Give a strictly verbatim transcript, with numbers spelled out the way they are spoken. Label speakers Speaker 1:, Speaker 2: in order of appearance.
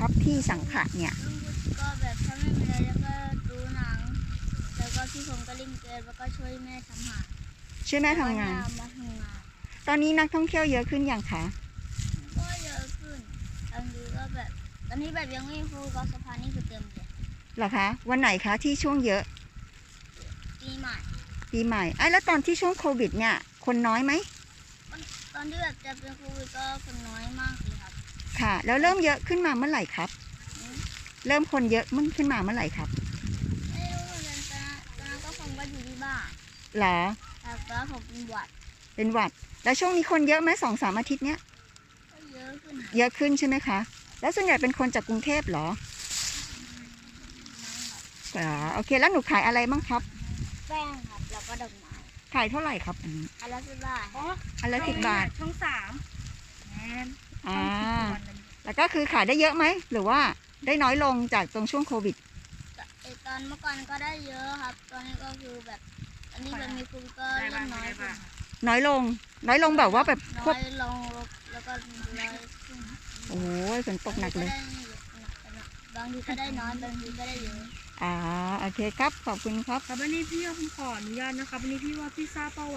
Speaker 1: ครับที่สังขะเนี่ย
Speaker 2: ก็แบบถ้าไม่มีอะไรแล้วก็ดูหนังแล้วก็พี่ผมก็เล่นเกมแล้วก็ช่วยแม่ทำอาหาร
Speaker 1: ช่วยแม่ทำงาน
Speaker 2: มาทำงาน
Speaker 1: ตอนนี้นักท่องเที่ยวเยอะขึ้นอย่างคะ
Speaker 2: ก็เยอะขึ้นบางทีก็แบบตอนนี้แบบยังไม่ฟูก็สะพานนี่คือเต็มเลย
Speaker 1: เหรอคะวันไหนคะที่ช่วงเยอะ
Speaker 2: ปีใหม่
Speaker 1: ปีใหม่ไอ้แล้วตอนที่ช่วงโควิดเนี่ยคนน้อยไหม
Speaker 2: ตอนที่แบบจะเป็นโควิดก็คนน้อยมากเลยครับ
Speaker 1: ค่ะแล้วเริ่มเยอะขึ้นมาเมื่อไหร่ครับเริ่มคนเยอะมันขึ้นมาเมื่อไหร่ครับ
Speaker 2: ไม่รู้เหมือนกันตอนนั้นตอนนั้นก็ผมก็อยู่ที่บ้าน
Speaker 1: เหรอ
Speaker 2: แต่ก็ผมเป็นหวัด
Speaker 1: เป็นหวัดแล้วช่วงนี้คนเยอะไหมสองสามอาทิตย์เนี้ย
Speaker 2: ก็เยอะขึ้น
Speaker 1: เยอะขึ้นใช่ไหมคะแล้วส่วนใหญ่เป็นคนจากกรุงเทพเหรออ๋อโอเคแล้วหนูขายอะไรบ้างครับ
Speaker 2: แป้งครับแล้วก็ดอกไม้
Speaker 1: ขายเท่าไหร่ครับอันนี้
Speaker 2: อันละสิบบาทอ๋อ
Speaker 1: อันละสิบบาท
Speaker 2: ช่องสามแมน
Speaker 1: อ่าแล้วก็คือขายได้เยอะไหมหรือว่าได้น้อยลงจากตรงช่วงโควิด
Speaker 2: ตอนเมื่อก่อนก็ได้เยอะครับตอนนี้ก็คือแบบอันนี้มันมีคุณก็เล่นน้อยขึ้น
Speaker 1: น้อยลงน้อยลงแบบว่าแบบ
Speaker 2: น้อยลงแล้วก็น้อยขึ้น
Speaker 1: โอ้ยฝนตกหนักเลย
Speaker 2: บางทีก็ได้น้อยบางทีก็ได้เยอะ
Speaker 1: อ่าโอเคครับขอบคุณครับ
Speaker 3: ครับวันนี้พี่ผมขออนุญาตนะครับวันนี้พี่ว่าพี่ทราบเปล่า